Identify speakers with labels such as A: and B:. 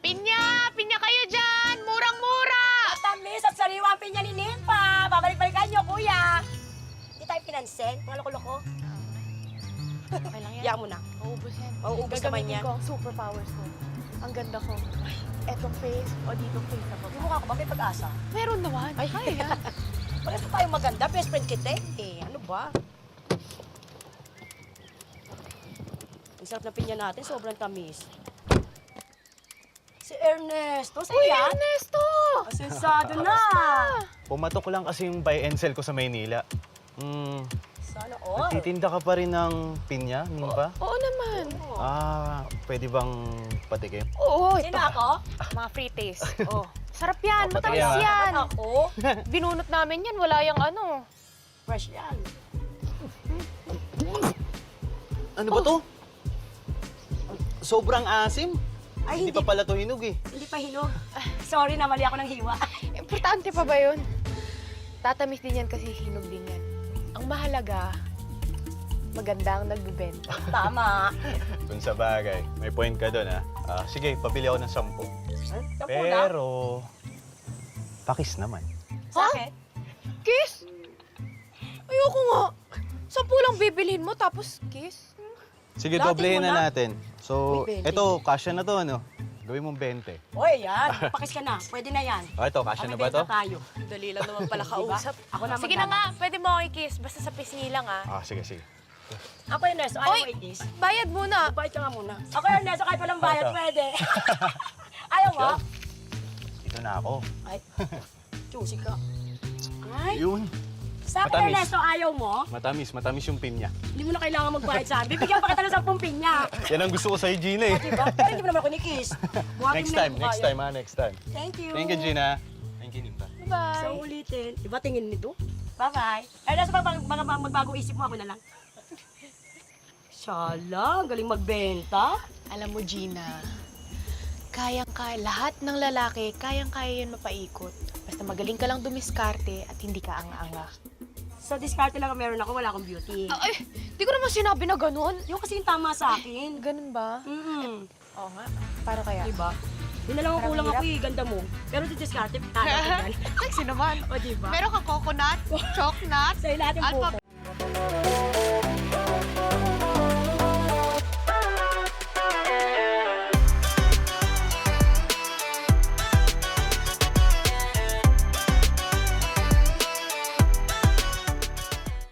A: Pinya! Pinya kayo dyan! Murang-mura!
B: Matamis at sariwa ang pinya ni Nimpa. Babalik-balikan niyo, kuya. Hindi tayo pinansin. Mga loko-loko.
A: Okay lang yan.
B: Iyak mo na.
A: Maubos yan.
B: Mauubos naman
A: Gagamitin
B: yan.
A: ko ang superpowers ko. Ang ganda ko. Etong face o ditong face na
B: Yung
A: baba.
B: mukha ko ba may pag-asa?
A: Meron naman. Ay, kaya yan.
B: Parang pa tayong maganda. Best friend kita eh. Ano ba? Ang sarap ng pinya natin. Sobrang tamis. Si Ernesto. Sa'yo
A: Uy,
B: yan?
A: Ernesto!
B: Asensado na.
C: Pumatok lang kasi yung buy and sell ko sa Maynila.
B: Sana all.
C: Nagtitinda ka pa rin ng pinya, Nimpa?
A: Oo naman.
C: Pwede bang patikim?
A: Oo,
B: Sino
A: ito.
B: ako?
A: Mga free taste. Oh. Sarap yan.
C: Oh,
A: Matamis
C: patikim,
A: yan.
B: Ako?
A: Binunot namin yan. Wala yung ano.
B: Fresh yan.
C: Ano ba to? Sobrang asim.
B: Ay,
C: Hindi pa pala to hinog eh.
B: Hindi pa hinog. Sorry na, mali ako ng hiwa.
A: Importante pa ba yun? Tatamis din yan kasi hinog din yan. Ang mahalaga, maganda ang nagbibenta.
B: Tama.
C: Kung sa bagay, may point ka doon ha. Sige, pabili ako ng 10.
B: Sampu na.
C: Pero, pakis naman.
B: Sa akin?
A: Kiss? Ayoko nga. 10 lang bibilhin mo tapos kiss?
C: Sige,
B: Dati
C: doblehin
B: mo
C: na
B: na.
C: natin. So,
B: Uy, 20.
C: eto, kasya na to, ano? Gawin mong 20.
B: Oy, yan. Pakis ka na. Pwede na yan.
C: Ito, kasya na ba to?
B: Tayo.
A: Dali lang naman pala kausap.
B: Ako na
A: Sige na nga, pwede mo ako i-kiss. Basta sa pisngi lang ah.
C: Sige, sige.
B: Ako, Ernesto. Ayaw
A: Oy!
B: mo itis.
A: Bayad muna.
B: Bayad ka nga muna. Ako, Ernesto. Kahit walang bayad,
C: Ito.
B: pwede. Ayaw mo?
C: Ito na ako.
B: Ay. Choosy ka. Ay.
C: Yun.
B: Sa akin,
C: Matamis.
B: Ernesto, ayaw mo?
C: Matamis yung pinya.
B: Hindi mo na kailangan magbayad sa akin. Bibigyan pa kita ng 10 pinya.
C: Yan ang gusto ko sa'yo, Gina eh.
B: Diba? Pero hindi mo naman ako ni-kiss. Buhatin
C: Next
B: mo na
C: time,
B: yung
C: next
B: mukha
C: time ha, next time.
B: yun. Thank you.
C: Thank you, Gina. Thank you, Nimpa.
A: Bye.
B: So, ulitin. Iba tingin nito? Bye-bye. Ernesto, pag magbago isip mo, ako na lang. Shala, galing magbenta.
A: Alam mo, Gina, kayang-kaya, lahat ng lalaki, kayang-kaya yan mapaikot. Basta magaling ka lang dumiskarte at hindi ka anga-anga.
B: Sa diskarte lang ang meron ako, wala akong beauty.
A: Ay, di ko naman sinabi na ganun.
B: Yung kasi yung tama sa akin.
A: Ganun ba? Oo nga. Paano kaya?
B: Diba? Yun na lang ang
A: Parang
B: kulang
A: hirap.
B: ako eh, ganda mo. Pero sa diskarte, tama ka dyan.
A: Sexy naman.
B: O diba?
A: Meron kang coconut, chocolate,
B: Sa'yo lahat yung buko.